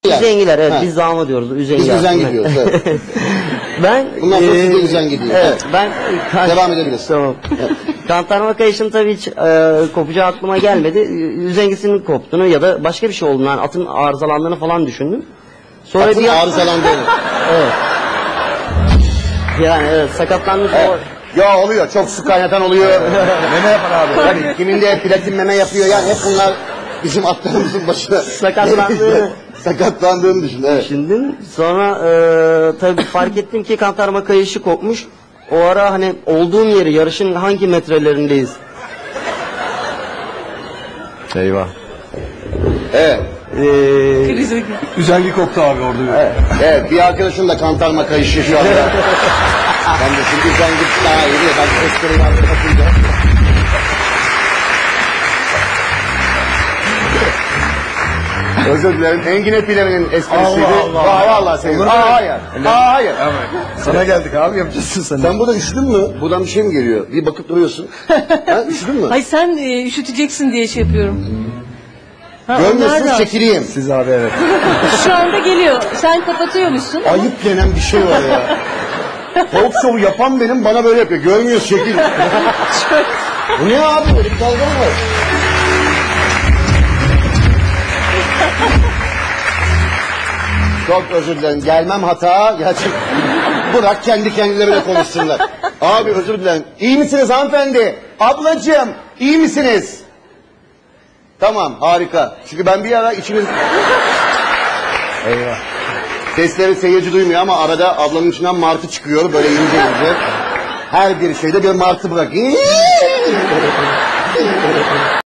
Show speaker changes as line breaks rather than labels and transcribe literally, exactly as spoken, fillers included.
Yani.
Üzengiler, evet,
Ha.
biz zama diyoruz. Üzengi.
Biz üzengi diyoruz, evet.
Ben
Bundan sonra
e,
siz de üzengi diyor.
Evet,
Evet.
ben kan-
Devam edebiliriz.
Tamam. Kantarma kayışın tabii hiç e, kopacağı aklıma gelmedi. Üzengisinin koptuğunu ya da başka bir şey olduğunu, yani atın arızalandığını falan düşündüm. Sonra
Atın
bir an-
arızalandığını.
Evet. Yani evet, sakatlanmış
Evet.
o.
Ya oluyor, çok su kaynatan oluyor. Meme yapar abi. Yani kiminde platin meme yapıyor, yani hep bunlar bizim atlarımızın başına.
Sakatlandığını
Sakatlandığını düşün, evet.
düşündüm. Sonra e, tabii fark ettim ki kantarma kayışı kopmuş. O ara hani olduğum yeri, yarışın hangi metrelerindeyiz?
Eyvah.
Evet.
Ee,
Üzengi koptu abi orada.
Evet, evet, bir arkadaşım da kantarma kayışı şu anda. Ben de şimdi sen git daha iyi. Ben espriyi artık atınca. Özür dilerim. Engin Epilem'in esprisiydi.
Allah Allah.
Aa, vallahi sevdim.
Olur mu?
Aa, hayır. Aa, hayır.
Sana geldik abi, yapacaksın sen.
Sen burada üşüdün mü? Buradan bir şey mi geliyor? Bir bakıp duruyorsun. Ha, üşüdün mü?
Hayır sen e, üşüteceksin diye şey yapıyorum. Ha,
Görmüyorsun,
onlar da-
çekileyim.
Siz abi, evet.
Şu anda geliyor. Sen kapatıyormuşsun.
Ayıp denen bir şey var ya. Talk show yapan benim, bana böyle yapıyor. Görmüyorsun, çekil. Bu ne abi? Böyle bir dalga mı var? Çok özür dilerim. Gelmem hata. Gerçek. Bırak kendi kendilerine konuşsunlar. Abi özür dilerim. İyi misiniz hanımefendi? Ablacığım, iyi misiniz? Tamam, harika. Çünkü ben bir ara içimiz...
Eyvah.
Sesleri seyirci duymuyor ama arada ablanın içinden martı çıkıyor böyle ince ince. Her bir şeyde bir martı bırak.